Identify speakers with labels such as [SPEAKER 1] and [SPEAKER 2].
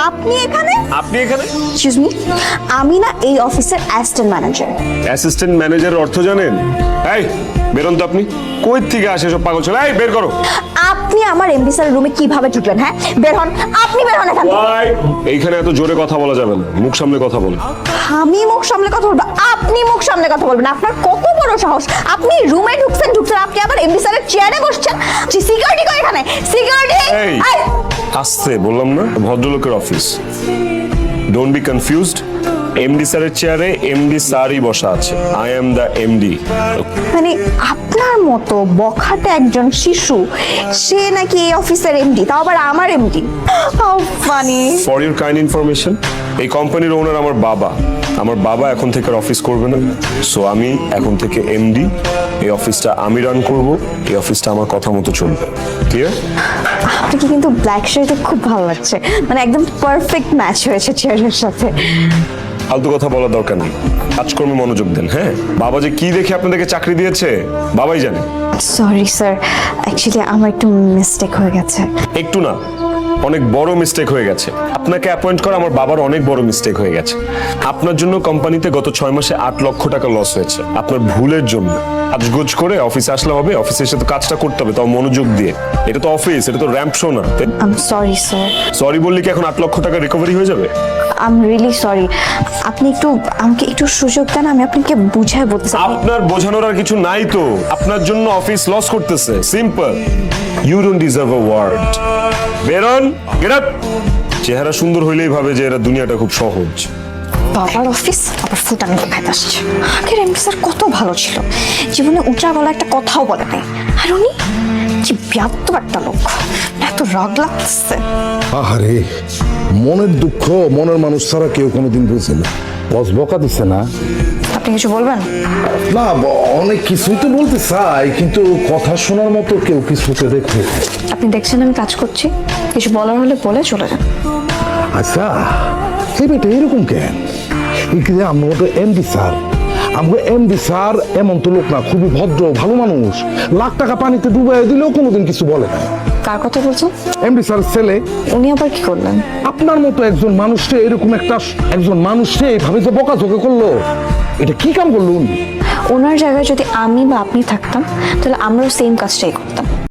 [SPEAKER 1] আপনি এখানে?
[SPEAKER 2] আপনি এখানে?
[SPEAKER 1] এক্সকিউজ মি, আমি না এই অফিসের অ্যাসিস্ট্যান্ট ম্যানেজার।
[SPEAKER 2] অ্যাসিস্ট্যান্ট ম্যানেজারের অর্থ জানেন? এই বেরোন তো আপনি। কই থেকে আসে সব পাগল ছেলে? এই বের করো।
[SPEAKER 1] আপনি আমার এমডি স্যারের রুমে কিভাবে ঢুকলেন? হ্যাঁ, বের হন, আপনি বের হন এখান থেকে।
[SPEAKER 2] ওই, এইখানে এত জোরে কথা বলা যাবে না, মুখ সামলে কথা বলুন।
[SPEAKER 1] আমি মুখ সামলে কথা বলবো? আপনি মুখ সামলে কথা বলবেন? আপনার কত বড় সাহস! আপনি রুমে ঢুকছেন, আপনি আবার এমডি স্যারের চেয়ারে বসছেন। সিকিউরিটি কই এখানে? সিকিউরিটি!
[SPEAKER 2] এই আসতে বললাম না, ভদ্রলোকের office. Don't be confused. MD স্যারের চেয়ারে এমডি স্যারই বসা আছে। I am the MD.
[SPEAKER 1] মানে আপনার মতো বখাটে একজন শিশু, সে নাকি এই অফিসের এমডি, তাও আবার আমার MD. How funny!
[SPEAKER 2] For your kind information, এই কোম্পানির ওনার আমার বাবা। আমার বাবা এখন থেকে অফিস করবে না, সো আমি এখন থেকে এমডি। এই অফিসটা আমি রান করব, এই অফিসটা আমার কথা মতো চলবে। ক্লিয়ার?
[SPEAKER 1] আপনাকে কিন্তু ব্ল্যাক শার্টে খুব ভালো লাগছে, মানে একদম পারফেক্ট ম্যাচ হয়েছে চেয়ারের সাথে।
[SPEAKER 2] ফালতু কথা বলার দরকার নেই, কাজকর্মে মনোযোগ দেন। হ্যাঁ, বাবা যে কি দেখে আপনাদেরকে চাকরি দিয়েছে বাবাই জানে।
[SPEAKER 1] সরি স্যার, অ্যাকচুয়ালি আমার একটু মিস্টেক হয়ে গেছে।
[SPEAKER 2] একটু না, অনেক বড় মিস্টেক হয়ে গেছে। আপনাকে অ্যাপয়েন্ট করা আমার বাবার অনেক বড় মিস্টেক হয়ে গেছে। আপনার জন্য কোম্পানিতে গত 6 মাসে 8 লক্ষ টাকা লস হয়েছে, আপনার ভুলের জন্য। আজগোজ করে অফিসে আসলে হবে? অফিসে এসে তো কাজটা করতে হবে, তাও মনোযোগ দিয়ে। এটা তো অফিস, এটা তো র্যাম্প শো না।
[SPEAKER 1] I am sorry sir.
[SPEAKER 2] Sorry বললি কি এখন 8 লক্ষ টাকা রিকভারি হয়ে যাবে?
[SPEAKER 1] I am really sorry. আপনি একটু আমাকে একটু সুযোগ দেন, আমি আপনাকে বুঝায় বলতে চাই।
[SPEAKER 2] আপনার বোঝানোর আর কিছু নাই তো। আপনার জন্য অফিস লস করতেছে, simple. You don't deserve a word. বেরন, গেট আপ। চেহারা সুন্দর হইলেই ভাবে যে এরা দুনিয়াটা খুব সহজ।
[SPEAKER 1] বাবার অফিস আবার ফুটানি দেখাতে আসছে। আগের এমডি স্যার কত ভালো ছিল, জীবনে উঁচা গলা একটা কথাও বলে নাই। আর উনি কি ব্যাপ্ত একটা লোক, এত রাগ লাগতেছে।
[SPEAKER 3] আহারে, মনের দুঃখ মনের মানুষ ছাড়া কেউ কোনোদিন বুঝে না। বস বকা দিচ্ছে না?
[SPEAKER 1] আপনি কিছু বলবেন?
[SPEAKER 3] না, অনেক কিছুই তো বলতে চাই, কিন্তু কথা শোনার মতো কেউ কিছুতে দেখে।
[SPEAKER 1] আপনি দেখছেন আমি কাজ করছি, কিছু বলার হলে বলে চলে যান।
[SPEAKER 3] আচ্ছা, এই বেটা এরকম কেন? আমরা তো এমডি স্যার, আমরা এমডি স্যার এমন তো লোক না, খুবই ভদ্র ভালো মানুষ। লাখ টাকা পানিতে ডুবাই দিলেও কোনোদিন কিছু বলে না।
[SPEAKER 1] কার কথা বলছেন?
[SPEAKER 3] এমডি স্যার ছেলে।
[SPEAKER 1] উনি আবার কি করলেন?
[SPEAKER 3] আপনার মতো একজন মানুষকে, এরকম একজন মানুষকে এইভাবে যে বকাঝকা করলো, এটা কি কাম করলো উনি?
[SPEAKER 1] ওনার জায়গায় যদি আমি বা আপনি থাকতাম, তাহলে আমরাও সেম কাজটাই করতাম।